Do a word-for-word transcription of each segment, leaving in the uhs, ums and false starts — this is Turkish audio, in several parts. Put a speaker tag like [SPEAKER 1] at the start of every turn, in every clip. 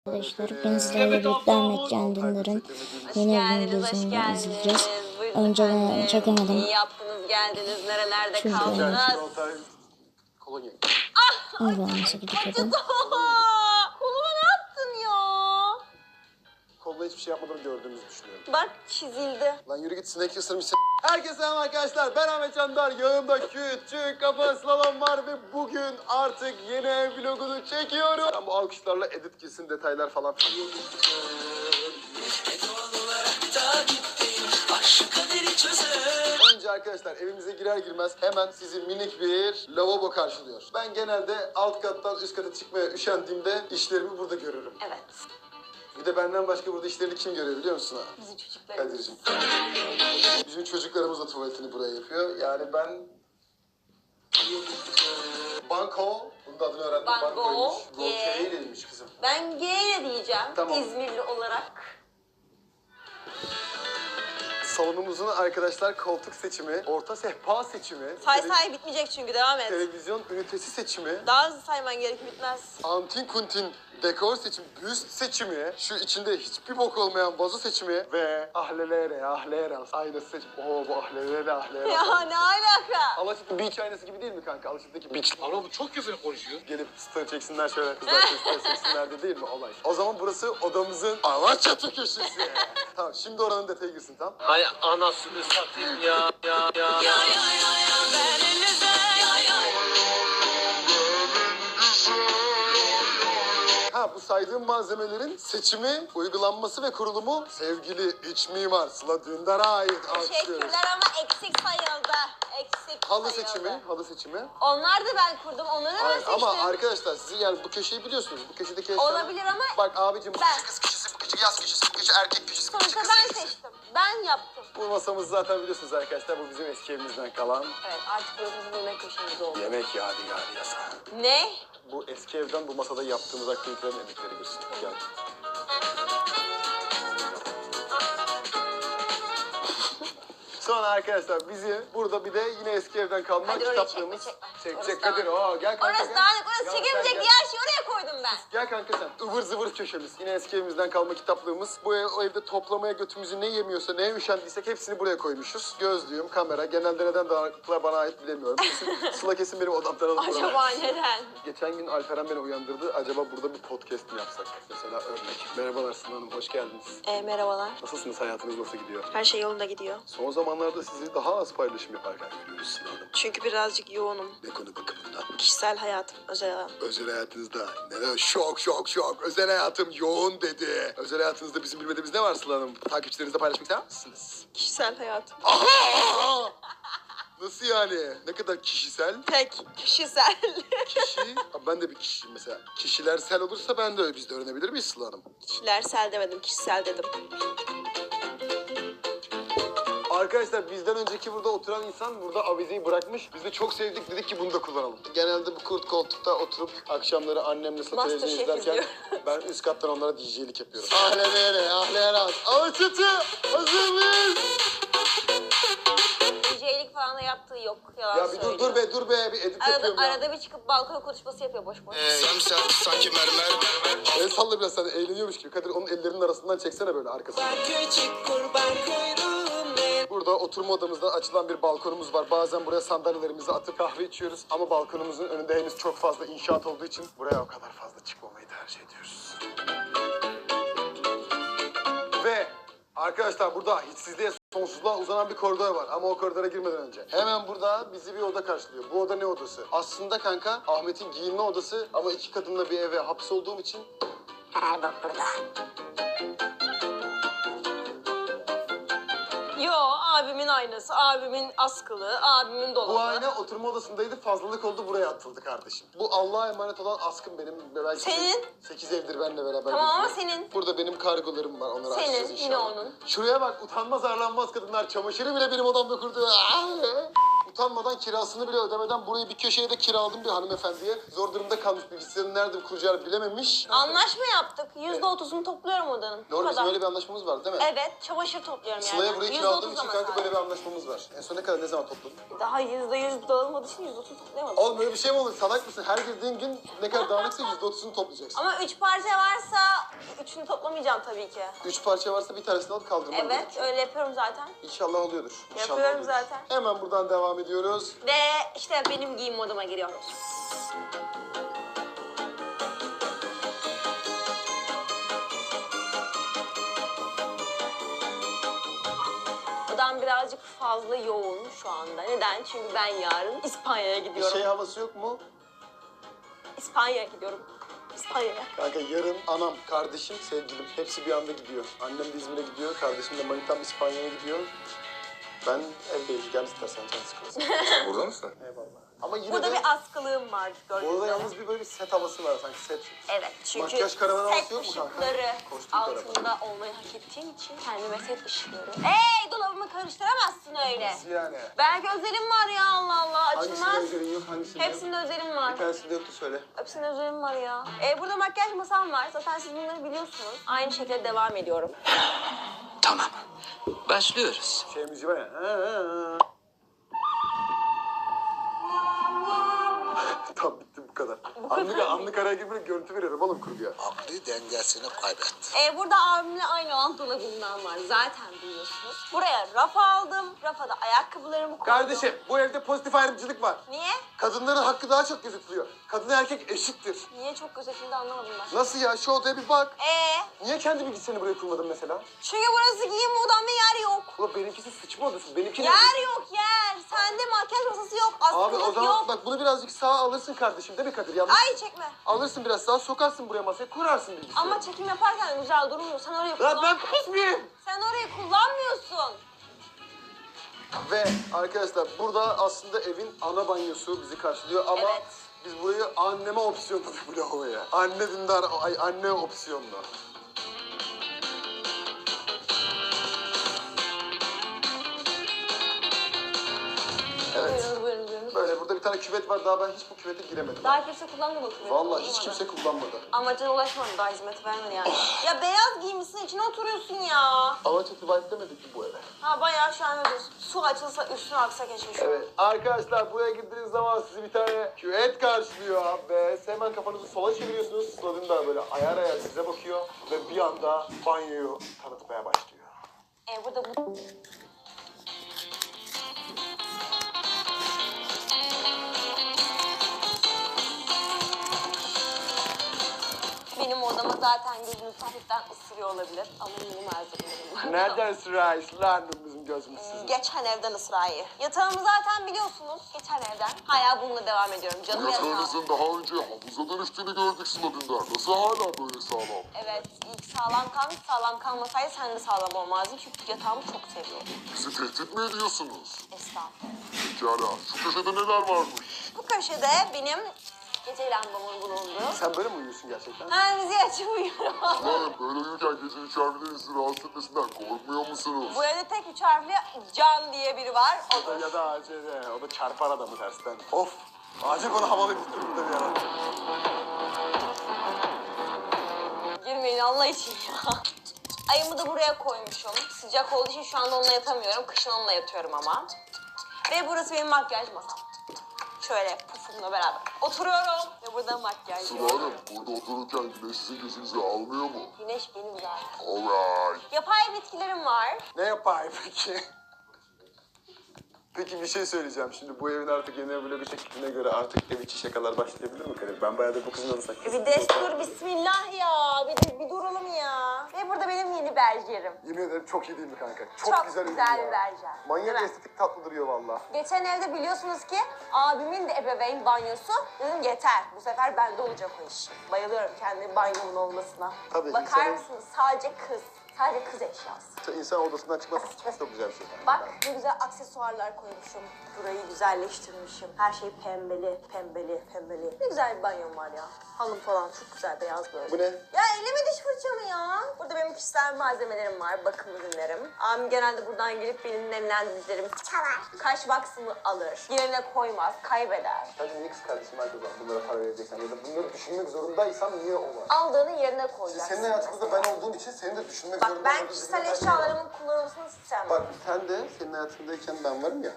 [SPEAKER 1] Arkadaşlar ben sizlerle birlikte Ahmet Can Dündar'ın yeni bir videosunu izleyeceğiz. Önce ben çekemedim.
[SPEAKER 2] İyi yaptınız, geldiniz. Nerelerde
[SPEAKER 1] Çünkü
[SPEAKER 2] kaldınız?
[SPEAKER 1] Allah'ım nasıl gidiyordum.
[SPEAKER 2] Koluma ne yaptın ya?
[SPEAKER 3] Koluna hiçbir şey yapmadığını gördüğümüzü düşünüyorum.
[SPEAKER 2] Bak çizildi.
[SPEAKER 3] Lan yürü git, sinek ısırmış. Herkese selam arkadaşlar, ben Ahmet Candar. Yanımda küçük kafa slalom var ve bugün artık yeni ev vlogunu çekiyorum. Ben bu alkışlarla edit girsin, detaylar falan. Önce arkadaşlar evimize girer girmez hemen sizi minik bir lavabo karşılıyor. Ben genelde alt kattan üst kata çıkmaya üşendiğimde işlerimi burada görürüm.
[SPEAKER 2] Evet.
[SPEAKER 3] Bir de benden başka burada işlerini kim görüyor biliyor musun ha?
[SPEAKER 2] Bizim çocuklarımız.
[SPEAKER 3] Kadir'cim. Bizim çocuklarımız da tuvaletini buraya yapıyor. Yani ben... Banko. Bunun da adını öğrendim.
[SPEAKER 2] Banko,
[SPEAKER 3] Bankoymuş.
[SPEAKER 2] G.
[SPEAKER 3] Rokey demiş kızım.
[SPEAKER 2] Ben G diyeceğim.
[SPEAKER 3] Tamam.
[SPEAKER 2] İzmirli olarak.
[SPEAKER 3] Salonumuzun arkadaşlar koltuk seçimi, orta sehpa seçimi,
[SPEAKER 2] Say
[SPEAKER 3] tele-
[SPEAKER 2] say bitmeyecek çünkü devam et.
[SPEAKER 3] televizyon ünitesi seçimi,
[SPEAKER 2] Daha hızlı sayman gerek bitmez.
[SPEAKER 3] antin kuntin dekor seçimi, büst seçimi, şu içinde hiçbir bok olmayan vazo seçimi ve ahlelere, ahlere, aynası seçimi. Oo bu ahlelere, ahlere.
[SPEAKER 2] Ya ne alaka?
[SPEAKER 3] Alaçatı beach aynası gibi değil mi kanka? Alaçatı'daki beach.
[SPEAKER 4] Ama bu çok güzel konuşuyor.
[SPEAKER 3] Gelip star çeksinler şöyle, kızlar star çeksinler de değil mi olay? O zaman burası odamızın Alaçatı köşesi. Tamam, şimdi oranın detayı girsin tamam.
[SPEAKER 4] Hay anasını satayım ya ya ya. ya.
[SPEAKER 3] Ha bu saydığım malzemelerin seçimi, uygulanması ve kurulumu sevgili iç mimar Sıla Dündar'a ait. Alkışlıyoruz.
[SPEAKER 2] Teşekkürler ama eksik sayıldı. Eksik
[SPEAKER 3] Halı
[SPEAKER 2] sayıldı.
[SPEAKER 3] seçimi, halı seçimi.
[SPEAKER 2] Onlar da ben kurdum. Onları da ben
[SPEAKER 3] Hayır,
[SPEAKER 2] seçtim.
[SPEAKER 3] ama arkadaşlar sizin yani bu köşeyi biliyorsunuz. Bu köşedeki eşyalar...
[SPEAKER 2] Olabilir ama
[SPEAKER 3] Bak abicim bu
[SPEAKER 2] Ben-
[SPEAKER 3] köşe kız köşesi, bu köşe yaz köşesi, bu köşe erkek köşesi, bu köşe
[SPEAKER 2] sonuçta
[SPEAKER 3] kız
[SPEAKER 2] ben
[SPEAKER 3] köşesi.
[SPEAKER 2] seçtim. Ben yaptım.
[SPEAKER 3] Bu masamız zaten biliyorsunuz arkadaşlar. Bu bizim eski evimizden kalan
[SPEAKER 2] Evet artık burası bizim yemek köşemiz oldu.
[SPEAKER 3] yemek yadigarı yasa.
[SPEAKER 2] Ne?
[SPEAKER 3] Bu eski evden bu masada yaptığımız aktivitelerin emekleri girsin. Gel. Sonra arkadaşlar bizi burada bir de yine eski evden kalma
[SPEAKER 2] Hadi orayı
[SPEAKER 3] kitaplığımız
[SPEAKER 2] çekme, çekme.
[SPEAKER 3] çekecek
[SPEAKER 2] Orası
[SPEAKER 3] Kadir. Oo, gel kanka
[SPEAKER 2] Orası
[SPEAKER 3] gel.
[SPEAKER 2] dağınık, orası
[SPEAKER 3] Gel,
[SPEAKER 2] çekilmeyecek
[SPEAKER 3] gel,
[SPEAKER 2] diğer şeyi oraya koydum ben.
[SPEAKER 3] Gel kanka sen. Ivır zıvır köşemiz. Yine eski evimizden kalma kitaplığımız. Bu ev, o evde toplamaya götümüzü ne yemiyorsa, neye üşendiysek hepsini buraya koymuşuz. Gözlüğüm, kamera. Genelde neden dağınıklıklar bana ait bilemiyorum. Kesin, Sıla kesin benim odamdan alıp buraya.
[SPEAKER 2] Acaba neden?
[SPEAKER 3] Geçen gün Alperen beni uyandırdı. Acaba burada bir podcast mi yapsak? Mesela örnek. Merhabalar Sıla Hanım, hoş geldiniz.
[SPEAKER 2] E, merhabalar.
[SPEAKER 3] Nasılsınız? Hayatınız nasıl gidiyor?
[SPEAKER 2] Her şey yolunda gidiyor.
[SPEAKER 3] Son zamanlarda sizi daha az paylaşım yaparken görüyoruz Sıla Hanım.
[SPEAKER 2] Çünkü birazcık yoğunum.
[SPEAKER 3] Ne konu bakımından?
[SPEAKER 2] Kişisel hayatım, özel hayatım.
[SPEAKER 3] Özel hayatınızda neler? Şok şok şok. Özel hayatım yoğun dedi. Özel hayatınızda bizim bilmediğimiz ne var Sıla Hanım? Takipçilerinizle paylaşmak ister misiniz?
[SPEAKER 2] Kişisel hayatım.
[SPEAKER 3] Aha! Nasıl yani? Ne kadar kişisel?
[SPEAKER 2] Tek. Kişisel.
[SPEAKER 3] Kişi, Abi ben de bir kişiyim mesela. Kişilersel olursa ben de biz de öğrenebilir miyiz Sıla Hanım?
[SPEAKER 2] Kişilersel demedim, kişisel dedim.
[SPEAKER 3] Arkadaşlar bizden önceki burada oturan insan burada avizeyi bırakmış. Biz de çok sevdik, dedik ki bunu da kullanalım. Genelde bu kurt koltukta oturup akşamları annemle Sıla televizyon
[SPEAKER 2] Masterchef
[SPEAKER 3] izlerken
[SPEAKER 2] izliyor.
[SPEAKER 3] ben üst kattan onlara D J'lik yapıyorum. Ahle nere, ahle raz. Alaçatı, hazır mıyız?
[SPEAKER 2] D J'lik falan da yaptığı yok. Yalan
[SPEAKER 3] Ya bir dur
[SPEAKER 2] söylüyor.
[SPEAKER 3] dur be dur be bir edit
[SPEAKER 2] Arada,
[SPEAKER 3] yapıyorum ya.
[SPEAKER 2] arada bir çıkıp balkona konuşması yapıyor boş boş.
[SPEAKER 5] Sen sen sanki mermer mermer.
[SPEAKER 3] El salla biraz sen de eğleniyormuş gibi. Kadir onun ellerinin arasından çeksene böyle arkasından. Burada oturma odamızda açılan bir balkonumuz var. Bazen buraya sandalyelerimizi atıp kahve içiyoruz. Ama balkonumuzun önünde henüz çok fazla inşaat olduğu için buraya o kadar fazla çıkmamayı tercih ediyoruz. Ve arkadaşlar burada hiçsizliğe sonsuzluğa uzanan bir koridor var. Ama o koridora girmeden önce. Hemen burada bizi bir oda karşılıyor. Bu oda ne odası? Aslında kanka Ahmet'in giyinme odası ama iki kadınla bir eve hapsolduğum için
[SPEAKER 2] Her bak burada. Yo abimin aynası, abimin askılı, abimin dolabı.
[SPEAKER 3] bu ayna oturma odasındaydı, fazlalık oldu, buraya atıldı kardeşim. Bu Allah'a emanet olan askım benim. Belki
[SPEAKER 2] Senin?
[SPEAKER 3] sekiz evdir benimle beraber.
[SPEAKER 2] Tamam ama
[SPEAKER 3] geziyor.
[SPEAKER 2] senin.
[SPEAKER 3] Burada benim kargolarım var, onları açacağız
[SPEAKER 2] Senin,
[SPEAKER 3] inşallah.
[SPEAKER 2] yine onun.
[SPEAKER 3] Şuraya bak, utanmaz arlanmaz kadınlar çamaşırı bile benim odamda kurdu. Utanmadan kirasını bile ödemeden burayı bir köşeye de kiraladım bir hanımefendiye. Zor durumda kalmış, bilgisayarın nerede kuracağını bilememiş.
[SPEAKER 2] Anlaşma yaptık. Yüzde otuzunu topluyorum odanın. Bu
[SPEAKER 3] Doğru, bizim
[SPEAKER 2] kadar.
[SPEAKER 3] öyle bir anlaşmamız var değil mi?
[SPEAKER 2] Evet, çamaşır topluyorum yani.
[SPEAKER 3] Sıla'ya burayı
[SPEAKER 2] Yüzde
[SPEAKER 3] kiraladığım
[SPEAKER 2] otuz
[SPEAKER 3] için
[SPEAKER 2] ama
[SPEAKER 3] kanka
[SPEAKER 2] sadece.
[SPEAKER 3] böyle bir anlaşmamız var. En son ne kadar, ne zaman topladın?
[SPEAKER 2] Daha yüzde yüz dağılmadığı için yüzde otuz toplayamadım.
[SPEAKER 3] Oğlum böyle bir şey mi olur? Salak mısın? Her girdiğin gün ne kadar dağınıksa yüzde otuzunu toplayacaksın.
[SPEAKER 2] Ama üç parça varsa hepsini toplamayacağım tabii ki.
[SPEAKER 3] Üç parça varsa bir tanesini alıp kaldırman
[SPEAKER 2] Evet,
[SPEAKER 3] gerekiyor.
[SPEAKER 2] öyle yapıyorum zaten.
[SPEAKER 3] İnşallah oluyordur. İnşallah
[SPEAKER 2] Yapıyorum
[SPEAKER 3] oluyordur.
[SPEAKER 2] zaten.
[SPEAKER 3] Hemen buradan devam ediyoruz.
[SPEAKER 2] Ve işte benim giyim moduma giriyoruz. Odam birazcık fazla yoğun şu anda. Neden? Çünkü ben yarın İspanya'ya
[SPEAKER 3] Bir
[SPEAKER 2] gidiyorum.
[SPEAKER 3] şey havası yok mu?
[SPEAKER 2] İspanya'ya gidiyorum. İspanya'ya.
[SPEAKER 3] Kanka yarın anam, kardeşim, sevgilim hepsi bir anda gidiyor. Annem de İzmir'e gidiyor, kardeşim de manitam İspanya'ya gidiyor. Ben evdeyim. Gel istersen can sıkılsın.
[SPEAKER 5] Burada mısın?
[SPEAKER 3] Eyvallah. Ama yine
[SPEAKER 2] Burada
[SPEAKER 3] de
[SPEAKER 2] bir askılığım var gördüğünüz
[SPEAKER 3] burada
[SPEAKER 2] üzere.
[SPEAKER 3] yalnız bir böyle bir set havası var sanki set.
[SPEAKER 2] Evet, çünkü
[SPEAKER 3] Makyaj karavan havası
[SPEAKER 2] set
[SPEAKER 3] yok mu kanka?
[SPEAKER 2] ışıkları
[SPEAKER 3] Kostüm karavan.
[SPEAKER 2] altında olmayı hak ettiğim için kendime set ışıkları. Hey, dolabımı karıştıramazsın öyle.
[SPEAKER 3] Nasıl yani?
[SPEAKER 2] Belki özelim var ya, Allah Allah,
[SPEAKER 3] Hangisinde
[SPEAKER 2] açılmaz.
[SPEAKER 3] özelin yok, hangisinde yok?
[SPEAKER 2] Hepsinde özelim var.
[SPEAKER 3] Bir tanesinde yoktu söyle.
[SPEAKER 2] Hepsinde özelim var ya. Ee, burada makyaj masam var. Zaten siz bunları biliyorsunuz. Aynı şekilde devam ediyorum.
[SPEAKER 6] Tamam. Başlıyoruz.
[SPEAKER 3] Şey müziği var ya. Ha, ha, ha. Tamam bitti bu kadar. Anlık, anlık araya gibi böyle görüntü veriyorum oğlum kurguya.
[SPEAKER 5] Aklı dengesini kaybetti.
[SPEAKER 2] Ee, burada abimle aynı olan dolabımdan var. Zaten biliyorsunuz. Buraya raf aldım. Rafa da ayakkabılarımı koydum.
[SPEAKER 3] Kardeşim bu evde pozitif ayrımcılık var.
[SPEAKER 2] Niye?
[SPEAKER 3] Kadınların hakkı daha çok gözetiliyor. Kadın erkek eşittir.
[SPEAKER 2] Niye çok gözetildi anlamadım ben.
[SPEAKER 3] Nasıl ya? Şu odaya bir bak.
[SPEAKER 2] Ee,
[SPEAKER 3] Niye kendi bilgisayarını buraya kurmadın mesela?
[SPEAKER 2] çünkü burası giyim odam ve yer yok.
[SPEAKER 3] Ulan benimkisi sıçma odası. Benimki ne?
[SPEAKER 2] Yer yok yer. Sende makyaj masası yok.
[SPEAKER 3] Abi
[SPEAKER 2] Askılık
[SPEAKER 3] o zaman
[SPEAKER 2] yok.
[SPEAKER 3] bak bunu birazcık sağa alırsın kardeşim değil mi Kadir? Yanlış.
[SPEAKER 2] Ay çekme.
[SPEAKER 3] Alırsın biraz sağa sokarsın buraya masaya kurarsın bilgisayarı.
[SPEAKER 2] Ama çekim yaparken güzel durmuyor. Sen orayı
[SPEAKER 3] Lan
[SPEAKER 2] kullan.
[SPEAKER 3] ben pis miyim?
[SPEAKER 2] Sen orayı kullanmıyorsun.
[SPEAKER 3] Ve arkadaşlar burada aslında evin ana banyosu bizi karşılıyor ama
[SPEAKER 2] Evet.
[SPEAKER 3] biz burayı anneme opsiyonladık bu lavaboya. Anne dindar, ay anne opsiyonlu. Evet.
[SPEAKER 2] Buyurunuz buyurunuz buyurunuz.
[SPEAKER 3] Böyle burada bir tane küvet var daha ben hiç bu küvete giremedim.
[SPEAKER 2] Daha kimse kullanmadı o küveti.
[SPEAKER 3] Vallahi hiç kimse kullanmadı.
[SPEAKER 2] Amacına ulaşmadı, daha hizmet vermedi yani. Ya beyaz giymişsin, içine oturuyorsun ya.
[SPEAKER 3] Alaçatı vibe demedik ki bu eve.
[SPEAKER 2] Ha bayağı şu an öyle su açılsa üstüne aksa geçmiş.
[SPEAKER 3] Evet arkadaşlar buraya girdiğiniz zaman sizi bir tane küvet karşılıyor ve hemen kafanızı sola çeviriyorsunuz. Sladin da böyle ayar ayar size bakıyor ve bir anda banyoyu tanıtmaya başlıyor.
[SPEAKER 2] E burada bu... Benim odama zaten gözünüz hafiften ısırıyor olabilir ama yeni malzemelerim var.
[SPEAKER 3] Nereden sırayız lan bizim gözümüz sizin?
[SPEAKER 2] Geçen evden ısrarı. Yatağımı zaten biliyorsunuz. Geçen evden. Hala bununla devam ediyorum. Canım yatağım.
[SPEAKER 5] Yatağınızın daha önce havuza dönüştüğünü gördük Sladin'den. Nasıl hala böyle sağlam?
[SPEAKER 2] Evet, ilk sağlam kalmış. Sağlam kalmasaydı sen de sağlam olmazdın. Çünkü yatağımı çok seviyorum.
[SPEAKER 5] Bizi tehdit mi ediyorsunuz?
[SPEAKER 2] Estağfurullah.
[SPEAKER 5] Pekala. Şu köşede neler varmış?
[SPEAKER 2] Bu köşede benim gece lambamın bulunduğu.
[SPEAKER 3] Sen böyle mi uyuyorsun gerçekten?
[SPEAKER 2] Ha, müziği açıp uyuyorum.
[SPEAKER 5] Lan böyle uyurken gece üç harflerin sizi rahatsız etmesinden korkmuyor musunuz?
[SPEAKER 2] Bu evde tek üç harfli Can diye biri var. Odur.
[SPEAKER 3] Ya da şeyde, o da çarpar adamı tersten. Of! Acil bana havalı bir durumda bir ara.
[SPEAKER 2] Girmeyin Allah için ya. Ayımı da buraya koymuşum. Sıcak olduğu için şu anda onunla yatamıyorum. Kışın onunla yatıyorum ama. Ve burası benim makyaj masam. Şöyle pufumla beraber oturuyorum ve burada makyaj
[SPEAKER 5] Sıla
[SPEAKER 2] yapıyorum.
[SPEAKER 5] Hanım, burada otururken güneş sizin gözünüzü almıyor mu?
[SPEAKER 2] Güneş benim zaten.
[SPEAKER 5] Alright.
[SPEAKER 2] Yapay bitkilerim var.
[SPEAKER 3] Ne yapayım peki? Peki bir şey söyleyeceğim. Şimdi bu evin artık yeni vlogu çektiğine göre artık ev içi şakalar başlayabilir mi Kadir? Ben bayağıdır bu kızın adını
[SPEAKER 2] E bir destur bismillah ya. Bir, de, bir duralım ya. Ve burada benim yeni berjerim.
[SPEAKER 3] Yemin ederim çok iyi değil mi kanka? Çok,
[SPEAKER 2] Çok
[SPEAKER 3] güzel,
[SPEAKER 2] güzel
[SPEAKER 3] ürün
[SPEAKER 2] bir
[SPEAKER 3] ya.
[SPEAKER 2] berjer.
[SPEAKER 3] Manyak
[SPEAKER 2] Değil mi?
[SPEAKER 3] estetik tatlı duruyor valla.
[SPEAKER 2] Geçen evde biliyorsunuz ki abimin de ebeveyn banyosu. Dedim yeter. Bu sefer bende olacak o iş. Bayılıyorum kendi banyomun olmasına.
[SPEAKER 3] Tabii,
[SPEAKER 2] Bakar
[SPEAKER 3] insanın-
[SPEAKER 2] mısınız? Sadece kız. Sadece kız eşyası.
[SPEAKER 3] İnsan odasından çıkması çok güzel bir şey.
[SPEAKER 2] Bak ne güzel aksesuarlar koymuşum. Burayı güzelleştirmişim. Her şey pembeli, pembeli, pembeli. Ne güzel bir banyom var ya. Halım falan çok güzel beyaz böyle.
[SPEAKER 3] Bu ne?
[SPEAKER 2] Ya elleme diş fırçamı ya. Burada benim kişisel malzemelerim var, bakım ürünlerim. Abim genelde buradan gelip benim nemlendiricilerimi çalar. Kaş baksımı alır. Yerine koymaz, kaybeder.
[SPEAKER 3] Sence niye kız kardeşim herkes var bunlara para vereceksen ya da bunları düşünmek zorundaysam niye o var?
[SPEAKER 2] Aldığını yerine koyacaksın.
[SPEAKER 3] Senin hayatında ben olduğum için seni de düşünmek
[SPEAKER 2] Bak
[SPEAKER 3] zorunda
[SPEAKER 2] ben
[SPEAKER 3] olduğum
[SPEAKER 2] kişisel
[SPEAKER 3] için ben-
[SPEAKER 2] eşyalarımın kullanılmasını istemem.
[SPEAKER 3] Bak sen de senin hayatındayken ben varım ya.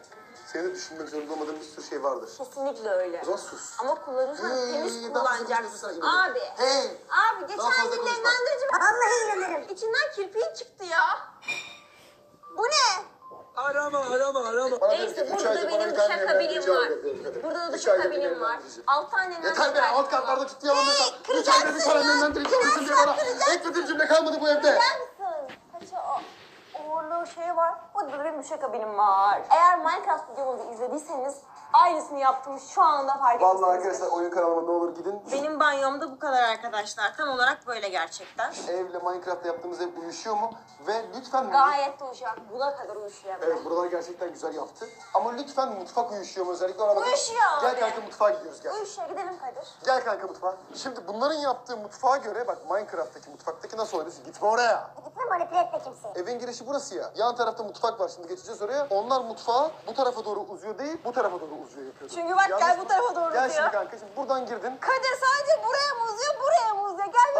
[SPEAKER 3] Senin de düşünmek zorunda olmadığın bir sürü şey vardır.
[SPEAKER 2] Kesinlikle öyle.
[SPEAKER 3] O zaman sus.
[SPEAKER 2] Ama kullanırsan
[SPEAKER 3] Hey,
[SPEAKER 2] temiz
[SPEAKER 3] daha fazla
[SPEAKER 2] kullanacaksın.
[SPEAKER 3] konuşma sen,
[SPEAKER 2] Abi.
[SPEAKER 3] Hey.
[SPEAKER 2] Abi geçen
[SPEAKER 3] Daha fazla
[SPEAKER 2] gün
[SPEAKER 3] konuşma.
[SPEAKER 2] nemlendirici... Vallahi inanırım. İçinden kirpiği çıktı ya. Bu ne?
[SPEAKER 4] Arama arama arama.
[SPEAKER 3] Bana
[SPEAKER 2] Neyse
[SPEAKER 3] dedi ki, üç
[SPEAKER 2] burada da
[SPEAKER 3] aydır bana
[SPEAKER 2] benim
[SPEAKER 3] bir tane
[SPEAKER 2] duşakabinim
[SPEAKER 3] nemlendirici
[SPEAKER 2] var.
[SPEAKER 3] al dedi kadın.
[SPEAKER 2] Burada da
[SPEAKER 3] Üç aydır bir
[SPEAKER 2] duşakabinim var.
[SPEAKER 3] nemlendirici.
[SPEAKER 2] Altı tane nemlendirici
[SPEAKER 3] Yeter be,
[SPEAKER 2] var.
[SPEAKER 3] alt katlarda tutuyorum mesela. Üç
[SPEAKER 2] kıracaksın
[SPEAKER 3] aydır bir tane
[SPEAKER 2] ya.
[SPEAKER 3] nemlendirici alırsın diye bana. Eklediğim cümle kalmadı bu evde.
[SPEAKER 2] Gider misin? Kaça o uğurlu şey var. Burada da benim duşakabinim var. Eğer Minecraft videomuzu izlediyseniz aynısını yaptım şu anda fark etmişsinizdir.
[SPEAKER 3] Vallahi arkadaşlar oyun kanalıma ne olur gidin.
[SPEAKER 2] Benim banyomda bu kadar arkadaşlar. Tam olarak böyle gerçekten.
[SPEAKER 3] Evle Minecraft'ta yaptığımız ev uyuşuyor mu? Ve lütfen...
[SPEAKER 2] Gayet de uyuşuyor. Buna kadar uyuşuyor.
[SPEAKER 3] Evet buralar gerçekten güzel yaptı. Ama lütfen mutfak uyuşuyor mu özellikle ona bakın.
[SPEAKER 2] Uyuşuyor
[SPEAKER 3] Gel
[SPEAKER 2] abi.
[SPEAKER 3] kanka mutfağa gidiyoruz gel.
[SPEAKER 2] Uyuşuyor. Gidelim Kadir.
[SPEAKER 3] Gel kanka mutfağa. Şimdi bunların yaptığı mutfağa göre bak Minecraft'taki mutfaktaki nasıl oynuyorsun? Gitme oraya.
[SPEAKER 2] Gitme manipüle etme kimseyi.
[SPEAKER 3] Evin girişi burası ya. Yan tarafta mutfak var şimdi geçeceğiz oraya. Onlar mutfağa bu tarafa doğru uzuyor değil bu tarafa doğru uzuyor yapıyordu.
[SPEAKER 2] Çünkü bak
[SPEAKER 3] Yanlış
[SPEAKER 2] gel
[SPEAKER 3] mı?
[SPEAKER 2] bu tarafa doğru
[SPEAKER 3] Gel
[SPEAKER 2] uzuyor.
[SPEAKER 3] şimdi kanka şimdi buradan girdin.
[SPEAKER 2] Kadir sadece buraya mı uzuyor? Buraya mı uzuyor? Gel